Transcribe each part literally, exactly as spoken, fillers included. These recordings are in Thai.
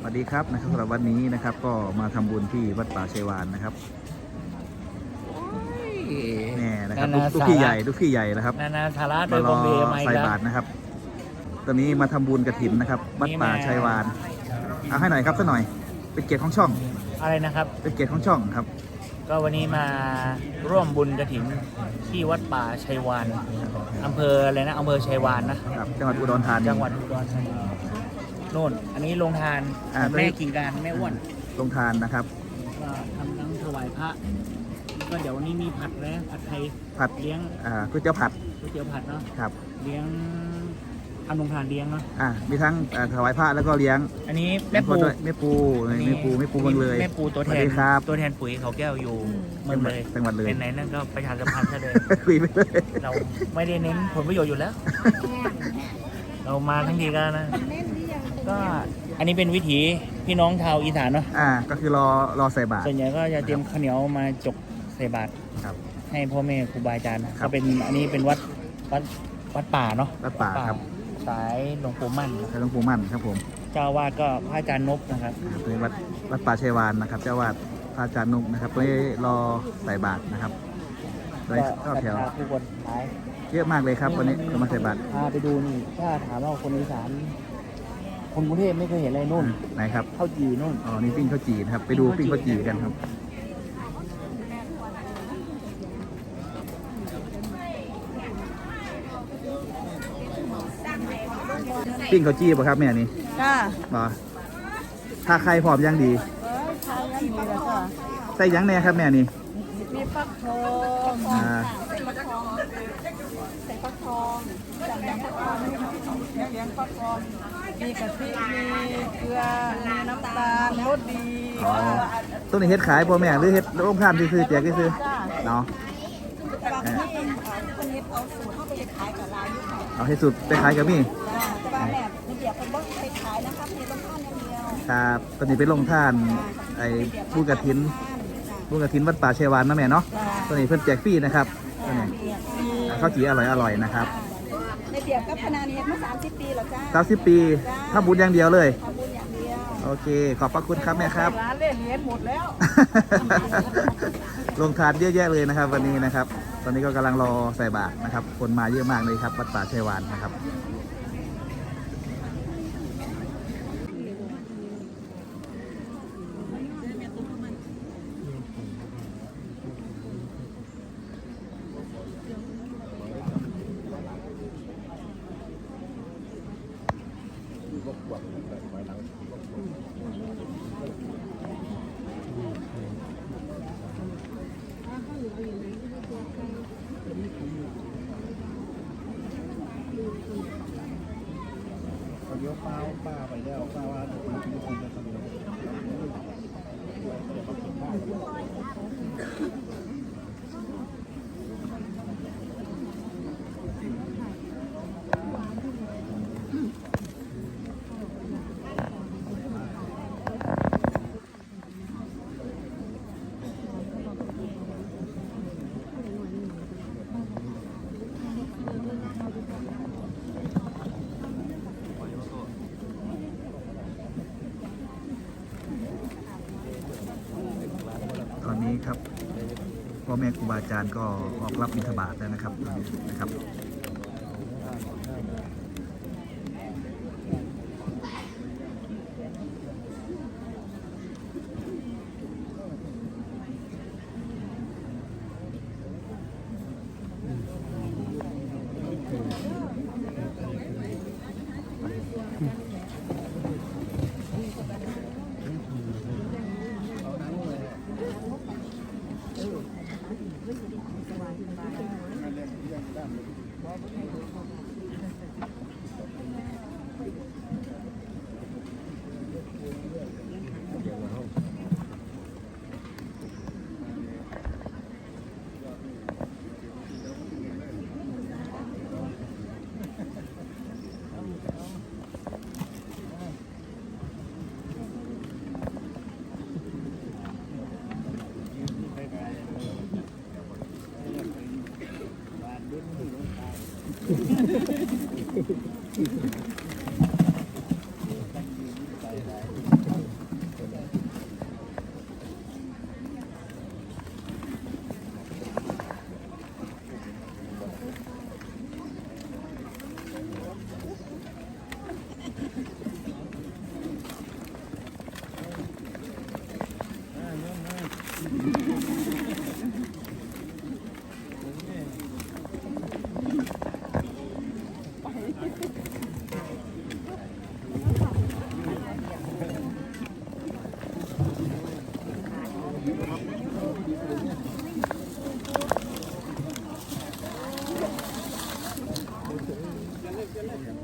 วัสดีครับนะครับสำหรับวันนี้นะครับก็มาทำบุญที่วัดป่าชัยวานนะครับแน่นะครับลูกพี่ใหญ่ลูกพี่ใหญ่นะครับนานาสาระโดมาย รบออมเบย์มาอีกใส่แล้วบาตรนะครับ ตอนนี้มาทำบุญกฐินนะครับวัดป่าชัยวานเอาให้หน่อยครับสักหน่อยเป็นเกียรติของช่องอะไรนะครับเป็นเกียรติของช่องครับก็วันนี้มาร่วมบุญกฐินที่วัดป่าชัยวานอำเภออะไรนะอำเภอชัยวานนะครับจังหวัดอุดรธานีจังหวัดอุดรธานีโน่นอันนี้ลงทานอ่าแม่กิ่งการแม่อ้วนลงทานนะครับก็ทำทั้งถวายพระแล้วก็เดี๋ยววันนี้มีผัดนะผัดไทยผัดเลี้ยงอ่าก๋วยเตี๋ยวผัดก๋วยเตี๋ยวผัดเนาะครับเลี้ยงทำลงทานเลี้ยงเนาะอ่ามีทั้งอ่าถวายพระแล้วก็เลี้ยงอันนี้แม่ปูด้วยแม่ปูแม่ปูแม่ปูเมืองเลยแม่ปูตัวแทสวัน สดีครับตัวแทนปุ๋ยเขาแก้วอยู่เมืองเลยจังหวัดเลยเป็นไหนนั่นก็ประชาสัมพันธ์ซะเลยคุยไปเลยเราไม่ได้เน้นผลประโยชน์อยู่แล้ว เรามาทั้งทีก็นะ ก็อันนี้เป็นวิถีพี่น้องชาวอีสานเนาะอ่าก็คือรอรอใส่บาตรส่วนใหญ่ก็จะเตรียมข้าวเหนียวมาจกใส่บาตรครับให้พ่อแม่ครูบาอาจารย์นะครัก็บเป็นอันนี้เป็นวัดวัดวัดป่าเนาะวัดป่าครับสายหลวงปู่มั่นใช้หลวงปู่มั่นครับผมเจ้าวาดก็พระอาจารย์นบนะครับอ่าเป็นวัดวัดป่าชัยวานนะครับ เจ้าวาดพระอาจารย์นุกนะครับตอนนี้รอใส่บาตรนะครับโดยก็เข้าแถวศรัทธาผู้คนหลายเยอะมากเลยครับวันนี้ก็มาใส่บาตรพาไปดูนี่ถ้าถามว่าคนอีสานคนกรุงเทพไม่เคยเห็นอะไรนู่นไหนครับข้าวจี่นู่นอ๋อนี่ปิ้งข้าวจี่นะครับไปดูปิ้งข้าวจี่กันครับปิ้งข้าวจี่ป่ะครับแม่นี่จ้าบ่ถ้าใครพร้อมยังดีเอ้ยทานยังดีแล้วจ้ะใส่หยังแน่ครับแม่นี่มีฟักทองอ่าใส่ฟักทองใส่ฟักทองจับยำฟักทองเลี้ยงฟักทองมีกะทิมีเกลือมีน้ำตาลรสดีอ๋อต้นนี้เฮ็ดขายบ่แม่หรือเฮ็ดโรงทานซื้อๆแจกซื้อจ้าๆเนาะบางที่คนนี้เอาสูตรเข้าไปขายกับร้านอยู่ค่ะเอาให้สุดไปขายกับมี่จ้าแต่ว่าแบบไม่เดี๋ยวคนบอกไปขายนะครับมีต้องทานอย่างเดียวครับตอนนี้ไปลงท่านไอ้บุญกฐินบุญกฐินวัดป่าชัยวานนะแม่เนาะตอนนี้เพิ่นแจกฟรีนะครับตอนนี้อ่าข้าวจี่อร่อยอร่อยๆนะครับในเดียบกับพนานี้มาสามสิบปีแล้วจ้าสามสิบปีถ้าบุญอย่างเดียวเลยทำบุญอย่างเดียวโอเค ขอบพระคุณครับแม่ครับร้านเล่นเหรียญหมดแล้วลงทานเยอะแยะเลยนะครับ วันนี้นะครับ ตอนนี้ก็กำลังรอใส่บาตรนะครับ คนมาเยอะมากเลยครับวัดป่าชัยวานนะครับเดี๋ยวป้าป้าไปแล้วป้าว่าจะมากินคนจะทำยังตอนนี้ครับพ่อแม่ครูบาอาจารย์ก็ออกรับบิณฑบาตแล้วนะครับนะครับ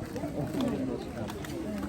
โอ้โหครับ